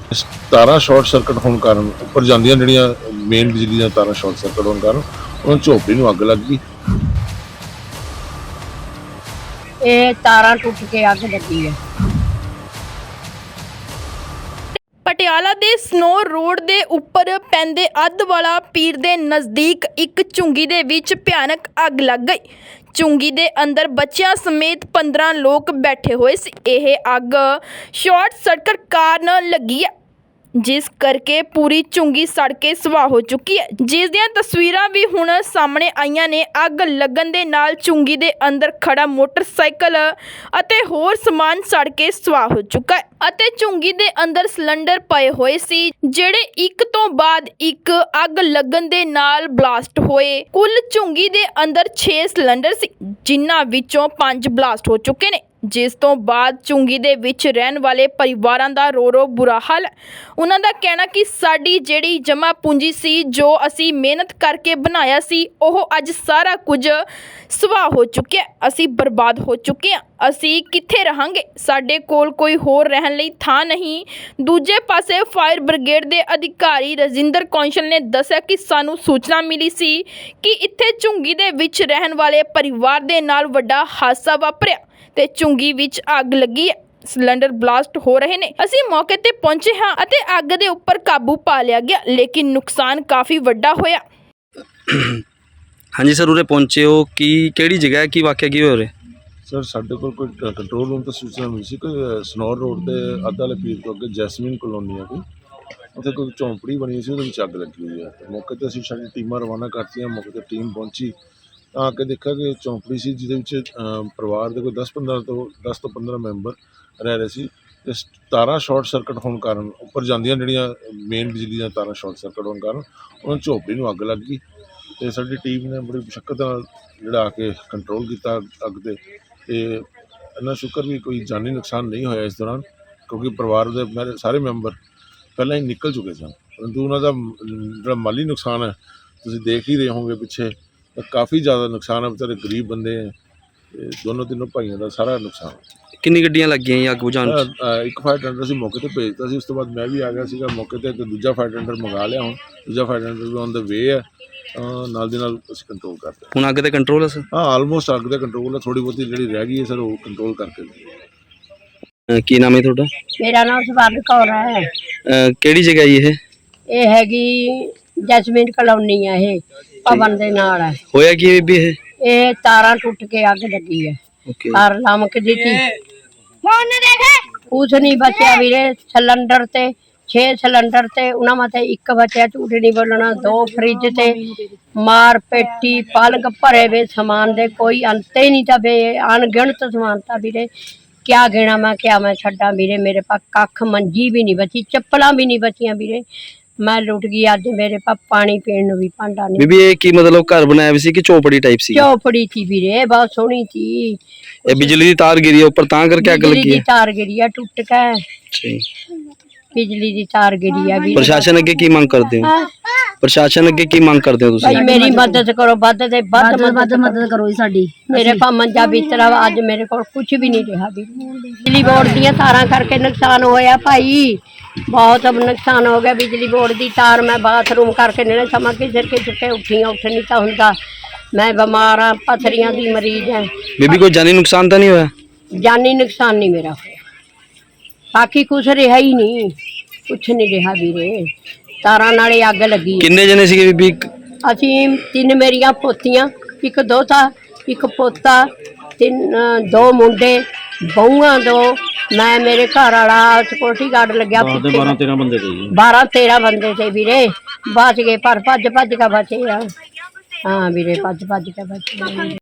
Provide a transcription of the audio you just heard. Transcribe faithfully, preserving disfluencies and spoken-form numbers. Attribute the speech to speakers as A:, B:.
A: ਤਾਰਾਂ short circuit ਹੋਣ ਕਾਰਨ ਉੱਪਰ ਜਾਂਦੀਆਂ ਜਿਹੜੀਆਂ ਮੇਨ ਬਿਜਲੀ ਦੀਆਂ ਤਾਰਾਂ ਸ਼ਾਰਟ ਸਰਕਟ ਹੋਣ ਕਾਰਨ ਉਹਨਾਂ ਝੋਪੜੀ ਨੂੰ ਅੱਗ ਲੱਗ ਗਈ।
B: ਇਹ ਤਾਰਾਂ ਟੁੱਟ ਕੇ ਅੱਗ ਲੱਗੀ ਹੈ।
C: ਪਟਿਆਲਾ ਦੇ ਸਨੋ ਰੋਡ ਦੇ ਉੱਪਰ ਪੈਂਦੇ ਅੱਧਵਾਲਾ ਪੀਰ ਦੇ ਨਜ਼ਦੀਕ ਇੱਕ ਝੁੰਗੀ ਦੇ ਵਿੱਚ ਭਿਆਨਕ ਅੱਗ ਲੱਗ ਗਈ। ਝੁੰਗੀ ਦੇ ਅੰਦਰ ਬੱਚਿਆਂ ਸਮੇਤ ਪੰਦਰਾਂ ਲੋਕ ਬੈਠੇ ਹੋਏ ਸੀ। ਇਹ ਅੱਗ ਸ਼ਾਰਟ ਸਰਕਟ ਕਾਰਨ ਲੱਗੀ ਹੈ, ਜਿਸ ਕਰਕੇ ਪੂਰੀ ਝੁੰਗੀ ਸੜ ਕੇ ਸਵਾਹ ਹੋ ਚੁੱਕੀ ਹੈ, ਜਿਸ ਦੀਆਂ ਤਸਵੀਰਾਂ ਵੀ ਹੁਣ ਸਾਹਮਣੇ ਆਈਆਂ ਨੇ। ਅੱਗ ਲੱਗਣ ਦੇ ਨਾਲ ਝੁੰਗੀ ਦੇ ਅੰਦਰ ਖੜਾ ਮੋਟਰਸਾਈਕਲ ਅਤੇ ਹੋਰ ਸਮਾਨ ਸੜ ਕੇ ਸਵਾਹ ਹੋ ਚੁੱਕਾ ਹੈ ਅਤੇ ਝੁੰਗੀ ਦੇ ਅੰਦਰ ਸਿਲੰਡਰ ਪਏ ਹੋਏ ਸੀ, ਜਿਹੜੇ ਇੱਕ ਤੋਂ ਬਾਅਦ ਇੱਕ ਅੱਗ ਲੱਗਣ ਦੇ ਨਾਲ ਬਲਾਸਟ ਹੋਏ। ਕੁੱਲ ਝੁੰਗੀ ਦੇ ਅੰਦਰ ਛੇ ਸਿਲੰਡਰ ਸੀ, ਜਿਨ੍ਹਾਂ ਵਿੱਚੋਂ ਪੰਜ ਬਲਾਸਟ ਹੋ ਚੁੱਕੇ ਨੇ, ਜਿਸ ਤੋਂ ਬਾਅਦ ਝੁੰਗੀ ਦੇ ਵਿੱਚ ਰਹਿਣ ਵਾਲੇ ਪਰਿਵਾਰਾਂ ਦਾ ਰੋ ਰੋ ਬੁਰਾ ਹਾਲ ਹੈ। ਉਹਨਾਂ ਦਾ ਕਹਿਣਾ ਕਿ ਸਾਡੀ ਜਿਹੜੀ ਜਮ੍ਹਾਂ ਪੂੰਜੀ ਸੀ, ਜੋ ਅਸੀਂ ਮਿਹਨਤ ਕਰਕੇ ਬਣਾਇਆ ਸੀ, ਉਹ ਅੱਜ ਸਾਰਾ ਕੁਝ ਸਵਾਹ ਹੋ ਚੁੱਕਿਆ। ਅਸੀਂ ਬਰਬਾਦ ਹੋ ਚੁੱਕੇ ਹਾਂ। ਅਸੀਂ ਕਿੱਥੇ ਰਹਾਂਗੇ? ਸਾਡੇ ਕੋਲ ਕੋਈ ਹੋਰ ਰਹਿਣ ਲਈ ਥਾਂ ਨਹੀਂ। ਦੂਜੇ ਪਾਸੇ ਫਾਇਰ ਬ੍ਰਿਗੇਡ ਦੇ ਅਧਿਕਾਰੀ ਰਜਿੰਦਰ ਕੌਂਸਲ ਨੇ ਦੱਸਿਆ ਕਿ ਸਾਨੂੰ ਸੂਚਨਾ ਮਿਲੀ ਸੀ ਕਿ ਇੱਥੇ ਝੁੰਗੀ ਦੇ ਵਿੱਚ ਰਹਿਣ ਵਾਲੇ ਪਰਿਵਾਰ ਦੇ ਨਾਲ ਵੱਡਾ ਹਾਦਸਾ ਵਾਪਰਿਆ ਤੇ ਝੁੰਗੀ ਵਿੱਚ ਅੱਗ ਲੱਗੀ ਹੈ। ਸਿਲੰਡਰ ਬਲਾਸਟ ਹੋ ਰਹੇ ਨੇ। ਅਸੀਂ ਮੌਕੇ ਤੇ ਪਹੁੰਚੇ ਹਾਂ ਅਤੇ ਅੱਗ ਦੇ ਉੱਪਰ ਕਾਬੂ ਪਾ ਲਿਆ ਗਿਆ, ਲੇਕਿਨ ਨੁਕਸਾਨ ਕਾਫੀ ਵੱਡਾ ਹੋਇਆ।
D: ਹਾਂਜੀ ਸਰ, ਉਰੇ ਪਹੁੰਚੇ ਹੋ, ਕੀ ਕਿਹੜੀ ਜਗ੍ਹਾ ਹੈ, ਕੀ ਵਾਕਿਆ ਕੀ ਹੋ ਰਿਹਾ?
A: ਸਰ ਸਾਡੇ ਕੋਲ ਕੋਈ ਕੰਟਰੋਲ ਰੂਮ ਤੋਂ ਸੂਚਨਾ ਮਿਲੀ ਸੀ ਕਿ ਸਨੌਰ ਰੋਡ ਤੇ ਅੱਧ ਵਾਲੇ ਪੀਰ ਤੋਂ ਅੱਗੇ ਜੈਸਮੀਨ ਕਲੋਨੀ ਆ ਕੋਈ, ਉੱਥੇ ਕੋਈ ਝੌਂਪੜੀ ਬਣੀ ਸੀ, ਉਹਦੇ ਵਿੱਚ ਅੱਗ ਲੱਗੀ ਹੋਈ ਹੈ। ਮੌਕੇ 'ਤੇ ਅਸੀਂ ਸਾਡੀ ਟੀਮਾਂ ਰਵਾਨਾ ਕਰਤੀਆਂ। ਮੌਕੇ 'ਤੇ ਟੀਮ ਪਹੁੰਚੀ ਤਾਂ ਆ ਕੇ ਦੇਖਿਆ ਕਿ ਝੌਂਪੜੀ ਸੀ, ਜਿਹਦੇ ਵਿੱਚ ਪਰਿਵਾਰ ਦੇ ਕੋਈ ਦਸ ਪੰਦਰਾਂ ਤੋਂ ਦਸ ਤੋਂ ਪੰਦਰਾਂ ਮੈਂਬਰ ਰਹਿ ਰਹੇ ਸੀ। ਅਤੇ ਤਾਰਾਂ ਸ਼ਾਰਟ ਸਰਕਟ ਹੋਣ ਕਾਰਨ ਉੱਪਰ ਜਾਂਦੀਆਂ ਜਿਹੜੀਆਂ ਮੇਨ ਬਿਜਲੀ ਦੀਆਂ ਤਾਰਾਂ ਸ਼ਾਰਟ ਸਰਕਟ ਹੋਣ ਕਾਰਨ ਉਹਨਾਂ ਝੌਂਪੜੀ ਨੂੰ ਅੱਗ ਲੱਗ ਗਈ। ਅਤੇ ਸਾਡੀ ਟੀਮ ਨੇ ਬੜੀ ਮੁਸ਼ੱਕਤ ਨਾਲ ਜਿਹੜਾ ਆ ਕੇ ਕੰਟਰੋਲ ਕੀਤਾ ਅੱਗ 'ਤੇ। ਅਤੇ ਇੰਨਾ ਸ਼ੁਕਰ ਵੀ ਕੋਈ ਜਾਨੀ ਨੁਕਸਾਨ ਨਹੀਂ ਹੋਇਆ ਇਸ ਦੌਰਾਨ, ਕਿਉਂਕਿ ਪਰਿਵਾਰ ਦੇ ਮੇਰੇ ਸਾਰੇ ਮੈਂਬਰ ਪਹਿਲਾਂ ਹੀ ਨਿਕਲ ਚੁੱਕੇ ਸਨ। ਪਰੰਤੂ ਉਹਨਾਂ ਦਾ ਜਿਹੜਾ ਮਾਲੀ ਨੁਕਸਾਨ ਹੈ ਤੁਸੀਂ ਦੇਖ ਹੀ ਰਹੇ ਹੋਵੋਗੇ ਪਿੱਛੇ, ਤਾਂ ਕਾਫੀ ਜ਼ਿਆਦਾ ਨੁਕਸਾਨ ਹੈ। ਵਿਚਾਰੇ ਗਰੀਬ ਬੰਦੇ ਹੈ, ਅਤੇ ਦੋਨੋਂ ਤਿੰਨੋਂ ਭਾਈਆਂ ਦਾ ਸਾਰਾ ਨੁਕਸਾਨ।
D: ਕਿੰਨੀ ਗੱਡੀਆਂ ਲੱਗੀਆਂ ਜੀ ਅੱਗ ਬੁਝਾਉਣ 'ਚ?
A: ਇੱਕ ਫਾਇਰ ਟੈਂਡਰ ਅਸੀਂ ਮੌਕੇ 'ਤੇ ਭੇਜਤਾ ਸੀ। ਉਸ ਤੋਂ ਬਾਅਦ ਮੈਂ ਵੀ ਆ ਗਿਆ ਸੀਗਾ ਮੌਕੇ 'ਤੇ, ਅਤੇ ਦੂਜਾ ਫਾਇਰ ਟੈਂਡਰ ਮੰਗਾ ਲਿਆ। ਹੁਣ ਦੂਜਾ ਫਾਇਰ ਟੈਂਡਰ ਵੀ ਔਨ ਦਾ ਵੇ ਹੈ। ਨਾਲ ਦੀ ਨਾਲ ਅਸੀਂ ਕੰਟਰੋਲ ਕਰਦੇ ਹਾਂ।
D: ਹੁਣ ਅੱਗ ਤੇ ਕੰਟਰੋਲ ਹੈ ਸਰ?
A: ਹਾਂ, ਆਲਮੋਸਟ ਅੱਗ ਦਾ ਕੰਟਰੋਲ ਹੈ। ਥੋੜ੍ਹੀ ਬਹੁਤੀ ਜਿਹੜੀ ਰਹਿ ਗਈ ਹੈ ਸਰ, ਉਹ ਕੰਟਰੋਲ ਕਰਕੇ।
D: ਅਹ ਕੀ ਨਾਮ ਹੈ ਤੁਹਾਡਾ?
B: ਮੇਰਾ ਨਾਮ ਸਵਰਨ ਕੌਰ ਹੈ।
D: ਅਹ ਕਿਹੜੀ ਜਗ੍ਹਾ ਜੀ ਇਹ?
B: ਇਹ ਹੈਗੀ ਜੈਸਮੀਨ ਕਲੋਨੀ ਹੈ। ਇਹ ਭਵਨ ਦੇ ਨਾਲ ਹੈ।
D: ਹੋਇਆ ਕੀ ਹੈ ਬੀਬੀ ਇਹ?
B: ਇਹ ਤਾਰਾਂ ਟੁੱਟ ਕੇ ਅੱਗ ਲੱਗੀ ਹੈ।
D: ਓਕੇ।
B: ਤਾਰ ਲਮਕਦੀ ਸੀ, ਕੁਛ ਨਹੀਂ ਬਚਿਆ ਵੀਰੇ। ਸਿਲੰਡਰ ਤੇ ਛੇ ਸਿਲੰਡਰ ਤੇ ਉਹਨਾਂ ਮਤੇ ਇੱਕ ਬਚਿਆ, ਝੂਠ ਨਹੀਂ ਬੋਲਣਾ। ਦੋ ਫਰਿੱਜ ਤੇ ਮਾਰ ਪੇਟੀ ਪਲਕ ਭਰੇ ਵੇ ਸਮਾਨ ਦੇ, ਕੋਈ ਅੰਤ ਹੀ ਨਹੀਂ ਤਾਂ ਵੇ ਅਣਗਿਣਤ ਸਮਾਨ ਤਾਂ ਵੀਰੇ। ਕਿਆ ਗਿਣਾ ਮੈਂ, ਕਿਆ ਮੈਂ ਛੱਡਾਂ ਵੀਰੇ। ਮੇਰੇ ਪਾਸ ਕੱਖ ਮੰਜੀ ਵੀ ਨਹੀਂ ਬਚੀ, ਚੱਪਲਾਂ ਵੀ ਨਹੀਂ ਬਚੀਆਂ ਵੀਰੇ। ਮੈਂ ਲੁੱਟ ਗਈ ਅੱਜ। ਮੇਰੇ ਪਾਸ ਪਾਣੀ ਪੀਣ ਨੂੰ ਵੀ ਭਾਂਡਾ ਨਹੀਂ।
D: ਬੀਬੀ ਇਹ ਕੀ ਮਤਲਬ ਘਰ ਬਣਾਇਆ ਵੀ ਸੀ ਕਿ ਚੌਪੜੀ ਟਾਈਪ ਸੀ?
B: ਚੌਪੜੀ ਸੀ ਵੀਰੇ, ਬਹੁਤ ਸੋਹਣੀ ਸੀ।
D: ਇਹ ਬਿਜਲੀ ਦੀ ਤਾਰ ਗਿਰੀ ਉੱਪਰ ਤਾਂ ਕਰਕੇ ਅੱਗ
B: ਬਿਜਲੀ
D: ਲੱਗੀ
B: ਦੀ
D: ਹੈ?
B: ਤਾਰ ਗਿਰੀ ਆ ਟੁੱਟ ਕੇ।
D: ਜੀ।
B: ਬਿਜਲੀ ਦੀ ਤਾਰ ਗਿਰੀ ਆ ਵੀਰੇ।
D: ਪ੍ਰਸ਼ਾਸਨ ਅੱਗੇ ਕੀ ਮੰਗ ਕਰਦੇ ਹੋ? ਪ੍ਰਸ਼ਾਸਨ ਅੱਗੇ ਕੀ ਮੰਗ ਕਰਦੇ ਹੋ ਤੁਸੀਂ?
B: ਭਾਈ ਮੇਰੀ ਮਦਦ ਕਰੋ, ਵੱਧ ਤੇ ਵੱਧ ਮਦਦ ਮਦਦ ਕਰੋ ਸਾਡੀ। ਮੇਰੇ ਪਾ ਮੰਜਾ ਬਿਸਤਰਾ ਵਾ, ਅੱਜ ਮੇਰੇ ਕੋਲ ਕੁਝ ਵੀ ਨਹੀਂ ਰਿਹਾ ਵੀ। ਬਿਜਲੀ ਬੋਰਡ ਦੀਆਂ ਤਾਰਾਂ ਕਰਕੇ ਨੁਕਸਾਨ ਹੋਇਆ ਭਾਈ, ਬਹੁਤ ਨੁਕਸਾਨ ਹੋ ਗਿਆ। ਬਿਜਲੀ ਬੋਰਡ ਦੀ ਤਾਰ ਮੈਂ ਬਾਥਰੂਮ ਕਰਕੇ ਨੇੜੇ ਸਮਾਂ ਕਿਸੇ ਕਿਸੇ ਉੱਠੀਆਂ ਉੱਠ ਨਹੀਂ ਤਾਂ ਹੁੰਦਾ। ਮੈਂ ਬਿਮਾਰ ਆ, ਪਥਰੀਆਂ ਦੀ ਮਰੀਜ਼ ਹੈ।
D: ਬੀਬੀ ਕੋਈ ਜਾਨੀ ਨੁਕਸਾਨ ਤਾਂ ਨਹੀਂ ਹੋਇਆ?
B: ਜਾਨੀ ਨੁਕਸਾਨ ਨਹੀਂ ਮੇਰਾ ਹੋਇਆ, ਬਾਕੀ ਕੁਛ ਰਿਹਾ ਹੀ ਨਹੀਂ, ਕੁਛ ਨਹੀਂ ਰਿਹਾ ਵੀਰੇ। ਤਾਰਾਂ ਨਾਲੇ ਅੱਗ ਲੱਗੀ।
D: ਕਿੰਨੇ ਜਣੇ ਸੀਗੇ ਬੀਬੀ?
B: ਅਸੀਂ ਤਿੰਨ ਮੇਰੀਆਂ ਪੋਤੀਆਂ, ਇੱਕ ਦੋਤਾ, ਇੱਕ ਪੋਤਾ, ਤਿੰਨ ਦੋ ਮੁੰਡੇ, ਬਹੂਆਂ ਦੋ, ਮੈਂ, ਮੇਰੇ ਘਰ ਵਾਲਾ ਸਿਕਿਉਰਟੀ ਗਾਰਡ ਲੱਗਿਆ। ਬਾਰਾਂ ਤੇਰਾਂ ਬੰਦੇ ਤੇ ਬਾਰਾਂ ਤੇਰਾਂ ਬੰਦੇ ਤੇ ਵੀਰੇ। ਬਚ ਗਏ ਪਰ ਭੱਜ ਭੱਜ ਕੇ ਬਚੇ ਆ। ਹਾਂ ਵੀਰੇ, ਭੱਜ ਭੱਜ ਕੇ ਬਚੇ।